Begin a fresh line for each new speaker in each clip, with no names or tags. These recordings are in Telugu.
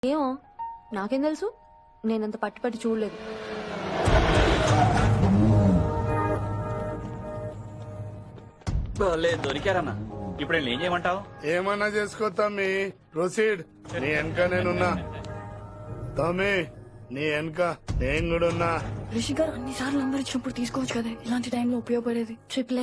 ఏమో నాకేం తెలుసు, నేనంత పట్టి చూడలేదు.
లేదు దొరికారన్నా. ఇప్పుడు ఏం చేయమంటావు?
ఏమన్నా చేసుకో తమ్మి, ప్రొసీడ్. నీ వెనక నేనున్నా తమ్మి, నీ వెనక నేను కూడా ఉన్నా.
రిషి గారు అన్నిసార్లు నంబర్ ఇచ్చినప్పుడు తీసుకోవచ్చు కదా, ఇలాంటి టైంలో ఉపయోగపడేది.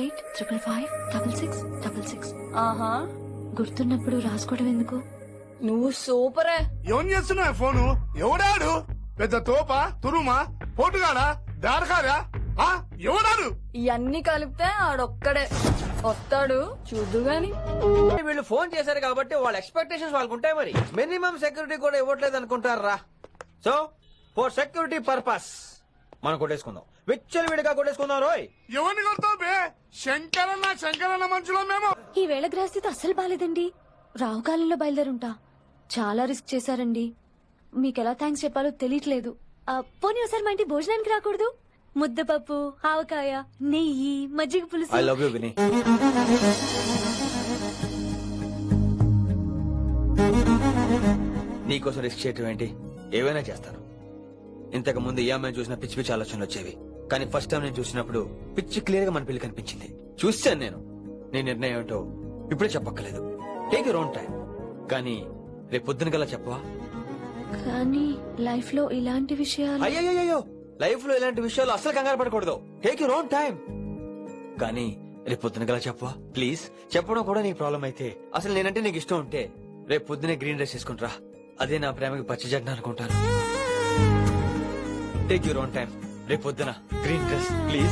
88555566. ఆహా, గుర్తున్నప్పుడు రాసుకోవడం ఎందుకు? నువ్వు సూపరే.
ఏం చేస్తున్నా ఫోను? ఎవడాడు? పెద్ద తోపా, తురుమా, పోటుగాడా, దారకారా? ఎవడాడు?
ఇవన్నీ కలిపితే ఆడొక్కడే వస్తాడు, చూద్దు గాని.
వీళ్ళు ఫోన్ చేశారు కాబట్టి వాళ్ళ ఎక్స్పెక్టేషన్స్ వాళ్ళకు ఉంటాయి. మరి మినిమం సెక్యూరిటీ కూడా ఇవ్వట్లేదు అనుకుంటారా? సో ఫర్ సెక్యూరిటీ పర్పస్ మనం కొట్టేసుకుందాం, విచ్చలు విడిగా కొట్టేసుకుందాం. రోయ్
ఎవరిని కొడతావు బే? శంకరన్న మనుషులో మేము.
ఈ వేళ గ్రహస్థితి అస్సలు బాలేదండి. రావుకాలంలో బయలుదేరుంటా. చాలా రిస్క్ చేశారండి. మీకెలా థ్యాంక్స్ చెప్పాలో తెలియట్లేదు. పోనీ ఒకసారి మా ఇంటి భోజనానికి రాకూడదు? ముద్దపప్పు, ఆవకాయ, నెయ్యి, మజ్జిగ పులుసు.
ఐ లవ్ యూ విని. నీకోసం రిస్క్ చేయటం ఏంటి? ఏవైనా చేస్తాను. ఇంతకు ముందు ఏ అమ్మాయిని చూసినా పిచ్చి పిచ్చి ఆలోచనలు వచ్చేవి, కానీ ఫస్ట్ టైం నేను చూసినప్పుడు పిచ్చి క్లియర్ గా మన పెళ్లి కనిపించింది. చూశాను నేను. నీ నిర్ణయం ఏంటో ఇప్పుడే చెప్పక్కర్లేదు. Take your own time. కానీ రేపు పొద్దున గల చెప్పవా?
కానీ లైఫ్ లో ఇలాంటి విషయాలు.
అయ్యో, లైఫ్ లో ఇలాంటి విషయాలు అసలు కంగారు పడకూడదు. Take your own time. కానీ రేపు పొద్దున గల చెప్పవా ప్లీజ్? చెప్పడం కూడా నీకు ప్రాబ్లం అయితే, అసలు నేనంటే నీకు ఇష్టం ఉంటే రేపు పొద్దునే గ్రీన్ డ్రెస్ వేసుకుంటారా. అదే నా ప్రేమకి పచ్చి జడ్డ అనుకుంటాను. Take your own time. రేపు పొద్దున గ్రీన్ డ్రెస్ ప్లీజ్.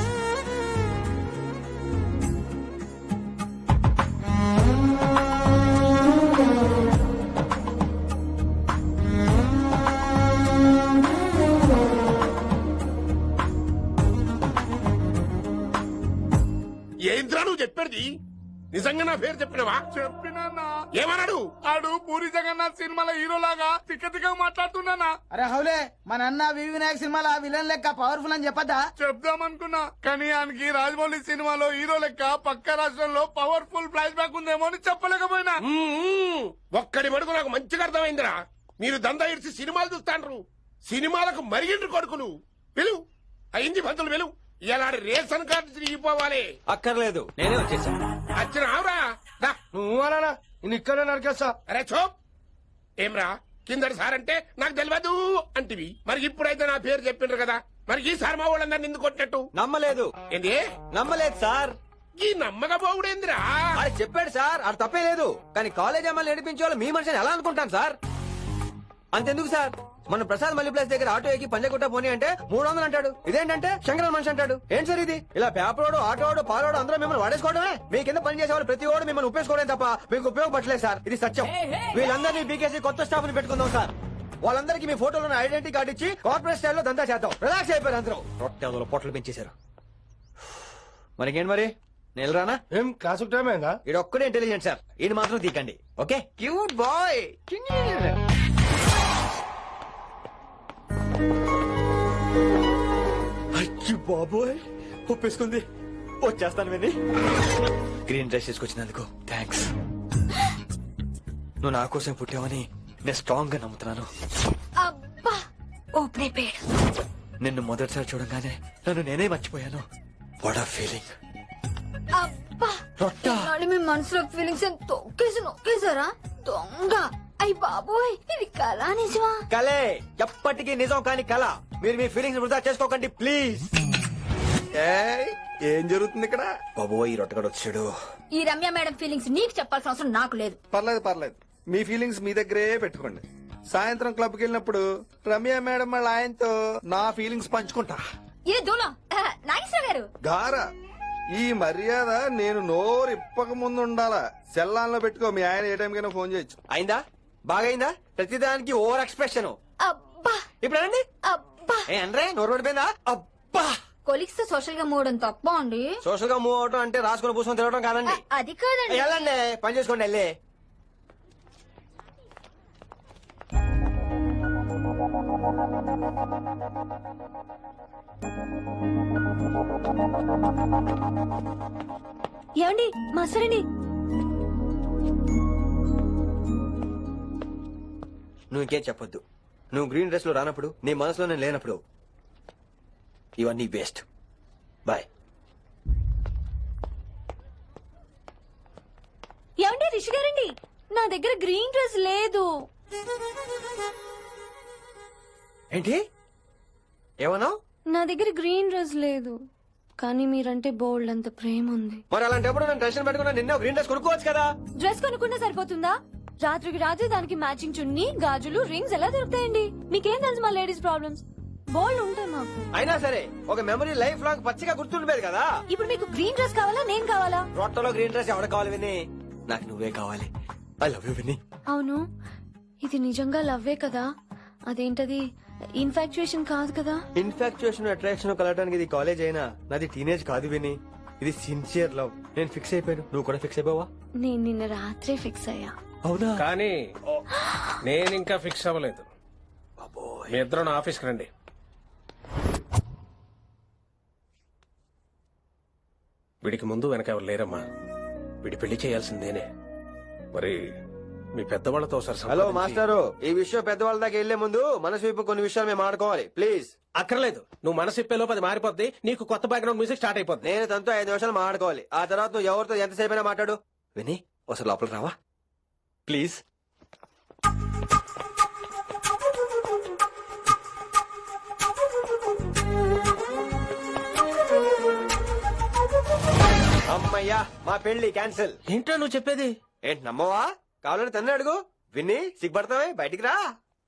ఏంద్రా నువ్వు చెప్పేది? నిజంగా నా పేరు చెప్పినవా? చెప్పినా. ఏమన్నాడు? ఆడు పూరి జగన్నాథ్ సినిమాలో హీరోలాగా తిక్క మాట్లాడుతున్నానా?
అరే హౌలే, మన అన్న వినాయక్ సినిమాలో విలన్ లెక్క పవర్ఫుల్ అని చెప్పద్దా?
చెప్దామనుకున్నా, కానీ ఆయనకి రాజమౌళి సినిమాలో హీరో లెక్క పక్క రాష్ట్రంలో పవర్ఫుల్ ఫ్లాష్ బ్యాక్ ఉందేమో అని చెప్పలేకపోయినా. ఒక్కడి మడుగు నాకు మంచిగా అర్థమైందిరా. మీరు దందా ఇడిచి సినిమాలు చూస్తాండ్రు, సినిమాలకు మరిగిండ్రు కొడుకులు. పిలువు, అయింది పంతులు పిలువు. ఇలా రేషన్ కార్డు తిరిగిపోవాలి.
అక్కర్లేదు, నేనే వచ్చేసాను.
వచ్చిన ఆవురా.
నువ్వు అలా ఇక్కడే నరికేస్తా.
అరే చోప్. ఏమ్రా, కిందటి సార్ అంటే నాకు తెలియదు అంటివి, మరి ఇప్పుడైతే నా పేరు చెప్పిండ్రు కదా, మరి ఈ సార్ మా వాళ్ళందరినీ ఎందుకు కొట్టినట్టు?
నమ్మలేదు.
ఏంది?
నమ్మలేదు సార్.
ఈ నమ్మకపోవుడేందిరా?
అది చెప్పాడు సార్, అది తప్పే లేదు. కానీ కాలేజ్ అమ్మాయిలు నడిపించే వాళ్ళు మీ మనిషిని ఎలా అనుకుంటాను సార్? అంతెందుకు సార్, మన ప్రసాద్ మల్లి ప్లేస్ దగ్గర ఆటో ఎక్కి పంజగుట్ట పోనీ అంటే 300 అంటాడు. ఇదేంటంటే శంకరన్ మనిషి అంటాడు. ఏంటి సార్ ఇది? ఇలా పేపరోడు, ఆటోడు, పాలోడు అందరూ మిమ్మల్ని వాడేసుకోవడమే. మీ కింద పని చేసే వాళ్ళు ప్రతి ఓడు మిమ్మల్ని ఉపయోగించుకోవడం తప్ప మీకు ఉపయోగపడలేదు సార్. ఇది సత్యం. వీళ్ళందరినీ బీకేసి కొత్త స్టాఫ్ ని పెట్టుకుందాం సార్. వాళ్ళందరికీ మీ ఫోటోలో ఐడెంటిటీ కార్డు ఇచ్చి కార్పొరేట్ స్టైల్లో దందా చేద్దాం. రిలాక్స్ అయిపోయారు అందరూ. రొట్టెలో పొట్టలు పెంచేశారు. మనకేంటి మరి, నేను రానా?
ఏం క్లాస్ టైం అయిందా?
ఇది ఒక్కడే ఇంటెలిజెంట్ సార్, ఇది మాత్రం తీకండి. Okay, cute boy. అయ్యో బాబోయ్, ఒప్పేసుకుంది. వచ్చేస్తాను విని. గ్రీన్ డ్రెస్ తీసుకొచ్చినందుకు థ్యాంక్స్. నువ్వు నా కోసం పుట్టావని నేను స్ట్రాంగ్ గా నమ్ముతున్నాను.
అబ్బా, ఓపెన్ పేడ్.
నిన్ను మొదటిసారి చూడంగానే నన్ను నేనే మర్చిపోయాను. వాట్ ఆ ఫీలింగ్.
అబ్బా,
రొట్టా.
మీ మనసులో ఫీలింగ్స్ నొక్కేసారా దొంగ? అయ్యి బాబోయ్, ఇది కళ నిజమా?
కలే, ఎప్పటికీ నిజం కాని కళ. మీరు మీ ఫీలింగ్స్ వృధా చేసుకోకండి ప్లీజ్.
ఏం జరుగుతుంది ఇక్కడ?
బాబోయ్, ఈ రొట్టగడు వచ్చాడు.
ఈ రమ్య మేడం ఫీలింగ్స్ నీకు చెప్పాల్సిన అవసరం నాకు లేదు.
పర్లేదు, మీ ఫీలింగ్స్ మీ దగ్గరే పెట్టుకోండి. సాయంత్రం క్లబ్ కి వెళ్ళినప్పుడు రమ్య మేడం వాళ్ళ ఆయనతో నా ఫీలింగ్స్ పంచుకుంటా.
ఇది దూలం నాగేశ్వర గారు.
గారా, ఈ మర్యాద నేను నోరు ఇప్పక ముందు ఉండాలా. సెల్లాన్లో పెట్టుకో, మీ ఆయన ఏ టైంకైనా ఫోన్ చేయొచ్చు.
అయిందా? బాగైందా? ప్రతిదానికి ఓవర్ ఎక్స్ప్రెషన్.
అబ్బా
ఇప్పుడు అనండి.
అబ్బా,
ఏ అనరే, నోరు పడిపోయిందా? అబ్బా.
కొలిక్స్ తో సోషల్ గా మూవడం తప్ప అండి.
సోషల్ గా మూవ్ అవటం అంటే రాసుకుని పూసుకొని తిరగడం కాదండి.
అది కాదండి.
వెళ్ళండి, పని చేసుకోండి. వెళ్ళి
ఏమండి, మాస్టరండి.
నువ్వు ఇంకేం చెప్పొద్దు. నువ్వు గ్రీన్ డ్రెస్ లో రానప్పుడు, నీ మనసులో నేను లేనప్పుడు ఇవన్నీ వేస్ట్. బాయ్.
ఏమండి రిషి గారండి, నా దగ్గర గ్రీన్ డ్రెస్ లేదు.
ఏంటి ఏమన్నావు?
నా దగ్గర గ్రీన్ డ్రెస్ లేదు, కానీ మీరంటే బోల్డ్ అంత ప్రేమ ఉంది.
మరి అలాంటప్పుడు నేను టెన్షన్ పెట్టుకున్నా నిన్న గ్రీన్ డ్రెస్ కొనుక్కోవచ్చు కదా.
డ్రెస్ కొనుక్కుంటే సరిపోతుందా? రాత్రికి రాత్రి దానికి మ్యాచింగ్ చున్నీ, గాజులు, రింగ్స్ ఎలా దొరుకుతాయండి? మీకేం తెలుసు మా లేడీస్ ప్రాబ్లమ్స్? బోల్డ్ ఉంటాయి మాకు.
అయినా సరే ఒక మెమరీ లైఫ్ లాంగ్ పచ్చిగా గుర్తుండిపోయేది కదా.
ఇప్పుడు మీకు గ్రీన్ డ్రెస్ కావాలా, నేను కావాలా?
రొట్టలో గ్రీన్ డ్రెస్ ఎవడ కావాలి విని? నాకు నువ్వే కావాలి. ఐ లవ్ యూ విని.
అవును, ఇది నిజంగా లవ్వే కదా? అదేంటది ఇన్ఫాక్చుయేషన్ కాదు కదా?
ఇన్ఫాక్చుయేషన్ అట్రాక్షన్ కలగడానికి ఇది కాలేజ్ అయినా నాది టీనేజ్ కాదు విని. ఇది సిన్సియర్ లవ్. నేను ఫిక్స్ అయిపోయాను, నువ్వు కూడా ఫిక్స్ అయిపోవా?
నేను నిన్న రాత్రే ఫిక్స్ అయ్యా.
అవునా?
కానీ నేను ఇంకా ఫిక్స్ అవ్వలేదు. మీ ఇద్దరు నా ఆఫీస్కి రండి. వీడికి ముందు వెనక ఎవరు లేరమ్మా. వీడి పెళ్లి చేయాల్సిందేనే. మరి మీ పెద్దవాళ్ళతో ఒకసారి
హలో
సంప్రదించి-
మాస్టారు, ఈ విషయం పెద్దవాళ్ళ దాకా వెళ్లే ముందు మనసు వైపు కొన్ని విషయాలు మేము ఆడుకోవాలి ప్లీజ్.
అక్కర్లేదు, నువ్వు మనసు ఇప్పేలోపు అది మారిపోద్ది. నీకు కొత్త బ్యాక్గ్రౌండ్ మ్యూజిక్ స్టార్ట్ అయిపోద్ది.
నేను తనతో 5 నిమిషాలు మాట్లాడుకోవాలి. ఆ తర్వాత నువ్వు ఎవరితో ఎంతసేపు అయినా మాట్లాడు. విని ఒకసారి లోపలికి రావా ప్లీజ్? అమ్మయ్యా, మా పెళ్లి క్యాన్సిల్.
ఏంటో నువ్వు చెప్పేది?
ఏంటి నమ్మవా? కావాలని తన్నే అడుగు. విన్ని సిగ్గుపడతావే, బయటికి రా.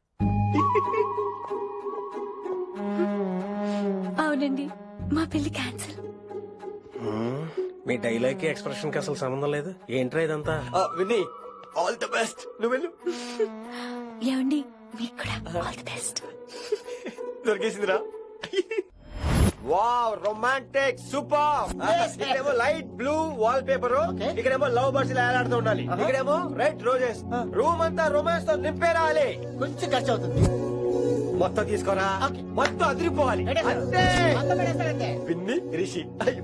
అవునండి, మా పెళ్లి క్యాన్సిల్.
మీ డైలాగ్ కి ఎక్స్ప్రెషన్ కి అసలు సంబంధం లేదు. ఏంట్రా ఇదంతా?
విన్ని ఆల్ ది బెస్ట్. నువ్వు వెళ్ళు.
ఏమండి, మీకు కూడా ఆల్ ది బెస్ట్.
దొరికేసిందిరా. Wow, romantic super. ఇక్కడేమో లైట్ బ్లూ వాల్ పేపర్, ఇక్కడేమో లవ్ బర్డ్స్ ఇలా ఏలాడుతూ ఉండాలి, ఇక్కడేమో రెడ్ రోజెస్. రూమ్ అంతా రొమాన్స్ తో నింపేరాలి.
కొంచెం ఖర్చు అవుతుంది.
మొత్తం తీసుకోరా, మొత్తం అదిరిపోవాలి. అంతే. పిన్ని రిషి. అయ్యో.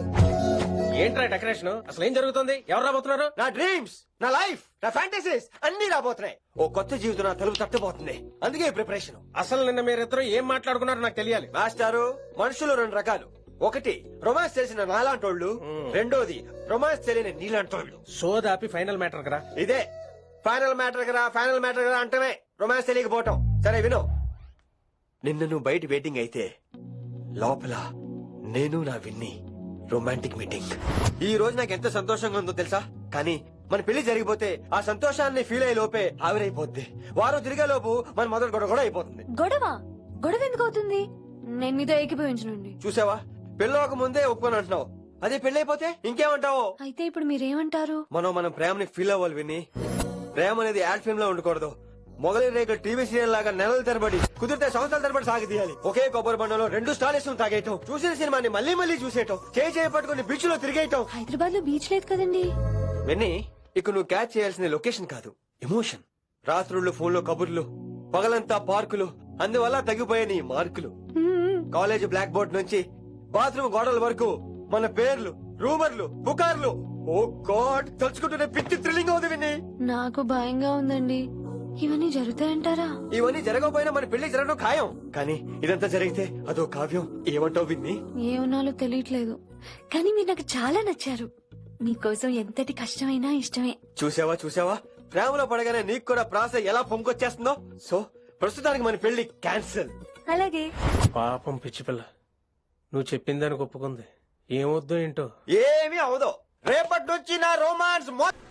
ఏంట్రా డెకరేషన్? అసలు ఏం జరుగుతుంది? ఎవరు రాబోతున్నారు?
నా డ్రీమ్స్, నా లైఫ్, నా ఫ్యాంటసీస్ అన్ని రాబోతున్నాయి. ఓ కొత్త జీవితం నా తలుపు తట్టబోతుంది. అందుకే ప్రిపరేషన్.
అసలు నిన్న మీరిద్దరు ఏం మాట్లాడుకున్నారో నాకు తెలియాలి.
మాస్టారు, మనుషులు 2 రకాలు. ఒకటి రొమాన్స్ చేసిన నాలాంటోళ్ళు, రెండోది రొమాన్స్ తెలియని నీలాంటోళ్ళు.
సోదాపి ఫైనల్ మ్యాటర్ కదా.
ఇదే ఫైనల్ మ్యాటర్ కదా. ఫైనల్ మ్యాటర్ కదా అంటమే రొమాన్స్ తెలియకపోవటం. సరే విను, నిన్న నువ్వు బయట వెయిటింగ్ అయితే లోపల నేను నా విన్ని రొమాంటిక్ మీటింగ్. ఈ రోజు నాకు ఎంత సంతోషంగా ఉందో తెలుసా? కానీ మన పెళ్లి జరిగిపోతే ఆ సంతోషాన్ని ఫీల్ అయ్యే లోపే ఆవిరైపోద్ది. వారం తిరిగే లోపు మన మొదటి గొడవ కూడా అయిపోతుంది.
గొడవ? గొడవ ఎందుకు అవుతుంది? నేను మీతో ఏకీభవించనండి.
చూసావా, పెళ్ళవక ముందే ఒప్పుకొని అంటున్నావు. అదే పెళ్ళైపోతే ఇంకేమంటావు?
అయితే ఇప్పుడు మీరేమంటారు?
మనం ప్రేమని ఫీల్ అవ్వాలి విని. ప్రేమ అనేది యాడ్ ఫిల్మ్ లో ఉండకూడదు. మొగలి రేఖ టీవీ సీరియల్ లాగా నెలల తరబడి, కుదిరితే సంవత్సరాల తరబడి సాగి తీయాలి. ఒకే కొబ్బరి బండలో 2 స్టాలిస్ తాగేయటం, చూసిన సినిమాని మళ్ళీ మళ్ళీ చూసేయటం, చేయి పట్టుకుని బీచ్ లో తిరిగేయటం.
హైదరాబాద్ లో బీచ్ లేదు కదండి.
విని, ఇక నువ్వు క్యాచ్ చేయాల్సిన లొకేషన్ కాదు, ఎమోషన్. రాత్రుళ్ళు ఫోన్ లో కబుర్లు, పగలంతా పార్కులు, అందువల్ల తగ్గిపోయే నీ మార్కులు. కాలేజ్ బ్లాక్ బోర్డ్ నుంచి బాత్రూమ్ గోడల వరకు మన పేర్లు, రూమర్లు, పుకార్లు. ఓ గాడ్, తలుచుకుంటూనే పిచ్చి థ్రిల్లింగ్ అవుతుంది విని.
నాకు భయంగా ఉందండి. ఇవన్నీ జరుగుతాయంటారా?
ఇవన్నీ జరగకపోయినా మన పెళ్లి జరగడం ఖాయం. కానీ ఇదంతా జరిగితే అదో కావ్యం. ఏమంటావు విన్ని?
ఏమన్నాలో తెలియట్లేదు, కానీ మీరు నాకు చాలా నచ్చారు. మీకోసం ఎంతటి కష్టమైనా ఇష్టమే.
చూసావా, ప్రేమలో పడగానే నీకు కూడా ప్రాస ఎలా పొంగొచ్చేస్తుందో. సో ప్రస్తుతానికి మన పెళ్లి క్యాన్సిల్.
అలాగే.
పాపం పిచ్చి పిల్ల, నువ్వు చెప్పిందానికి ఒప్పుకుంది. ఏమొద్దు ఏంటో.
ఏమీ అవదో. రేపటి నుంచి నా రోమాన్స్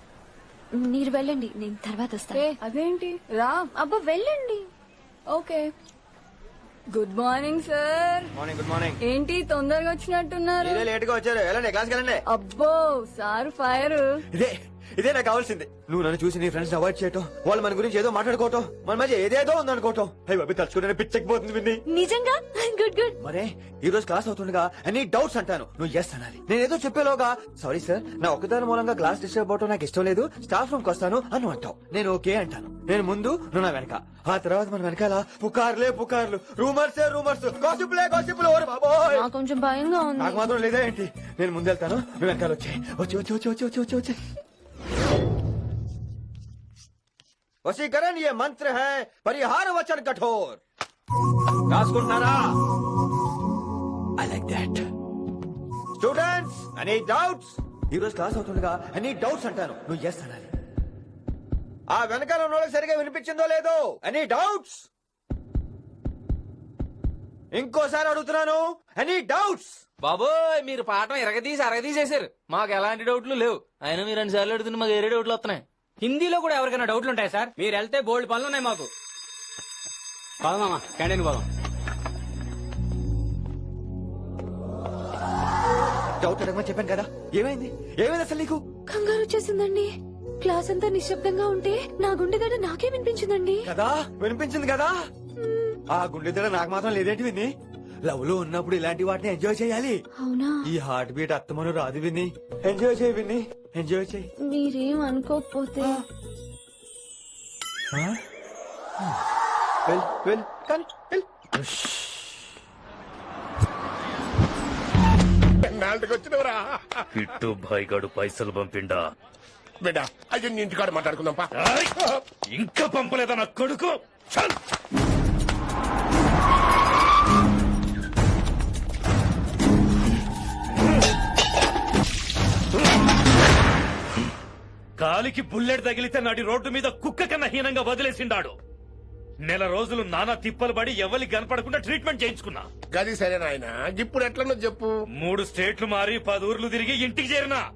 మీరు వెళ్ళండి, నేను తర్వాత వస్తాను.
అదేంటి రా.
అబ్బా వెళ్ళండి.
Okay. Good morning sir.
Morning. Good morning.
ఏంటి తొందరగా వచ్చినట్టున్నారు?
మీరే లేట్ గా వచ్చారు. వెళ్ళండి, క్లాస్కి వెళ్ళండి.
అబ్బో సార్ ఫైర్.
ఇదే నాకు కావాల్సింది. నువ్వు నన్ను చూసి నీ ఫ్రెండ్స్ అవాయిడ్ చేయటం, వాళ్ళు మన గురించి ఏదో మాట్లాడుకోవటం, మన మధ్య ఏదేదో ఉందనుకోవటం. అయ్యి బాబీ, తలుచుకుంటే పిచ్చెక్కిపోతుంది విన్ని.
నిజంగా గుడ్ గుడ్.
మరే ఈ రోజు క్లాస్ అవుతుండగా ఎనీ డౌట్స్ అంటాను, నువ్వు ఎస్ అనాలి. నేనేదో చెప్పేలోగా సారీ సార్, నా ఒక్కదాని మూలంగా క్లాస్ డిస్టర్బ్ అవటం నాకు ఇష్టం లేదు, స్టాఫ్ రూమ్ కి వస్తాను అని అంటావు. నేను ఓకే అంటాను. నేను ముందు, నువ్వు నా వెనక. ఆ తర్వాత మన వెనకాల పుకార్లు, రూమర్స్, గాసిప్లే. ఓరే బాబోయ్,
నాకు కొంచెం భయంగా ఉంది.
నాకు మాత్రం లేదా ఏంటి? నేను ముందెళ్తాను, నువ్వు వెనకాల వచ్చి. వశీకరణ ఏ మంత్ర హై పరిహార వచన కఠోర్. రాసుకుంటున్నారా? I like that. Students any doubts? ఈ రోజు క్లాస్ అవుతుండగా ఎనీ డౌట్స్ అంటాను, నువ్వు ఎస్ అనాలి. ఆ వెనకాల ఉన్న వాళ్ళకి సరిగా వినిపించిందో లేదో? Any doubts? ఇంకోసారి అడుగుతున్నాను, ఎనీ డౌట్స్?
బాబోయ్ మీరు పాఠం ఎరగదీసి అరగదీసేశారు. మాకు ఎలాంటి డౌట్లు లేవు. అయినా మీరు 2 సార్లు అడుగుతుంటే మాకు ఏరే డౌట్లు వస్తున్నాయి.
హిందీలో కూడా ఎవరికైనా డౌట్లు ఉంటాయి సార్? మీరు వెళ్తే బోల్డ్ పనులు ఉన్నాయి మాకు. పోదామా క్యాంటీన్ పోదాం.
డౌట్ అడగమని చెప్పాను కదా, ఏమైంది? ఏమైంది అసలు నీకు?
కంగారు వచ్చేసిందండి. క్లాస్ అంతా నిశ్శబ్దంగా ఉంటే నా గుండె దడ నాకే వినిపించిందండి.
కదా వినిపించింది కదా. ఆ గుండె దడ నాకు మాత్రం లేదేంటి విని? లవ్ లో ఉన్నప్పుడు ఇలాంటి వాటిని ఎంజాయ్ చేయాలి.
అవునా?
ఈ హార్ట్ బీట్ అత్తమను రాదు విని. ఎంజాయ్ చేయి విని, ఎంజాయ్ చేయి.
మీరేం అనుకోకపోతే
వెల్ వెల్ కానీ వెల్.
నాలుగుకి వచ్చినవరా
కిట్టు భాయ్ గడు పైసలు పంపిండా?
బిడ్డ అయ్యో నీ ఇంటికాడ మాట్లాడుకుందాం పా.
ఇంకా పంపలేదా నా కొడుకు? చల్. కాలికి బుల్లెట్ తగిలితే నాటి రోడ్డు మీద కుక్క కన్నా హీనంగా వదిలేసిండాడు. 1 నెల రోజులు నానా తిప్పలు పడి ఎవరికి కనపడకుండా ట్రీట్మెంట్ చేయించుకున్నా.
గది సరే నాయన, ఇప్పుడు ఎట్లనో చెప్పు.
3 స్టేట్లు మారి 10 ఊర్లు తిరిగి ఇంటికి చేరినా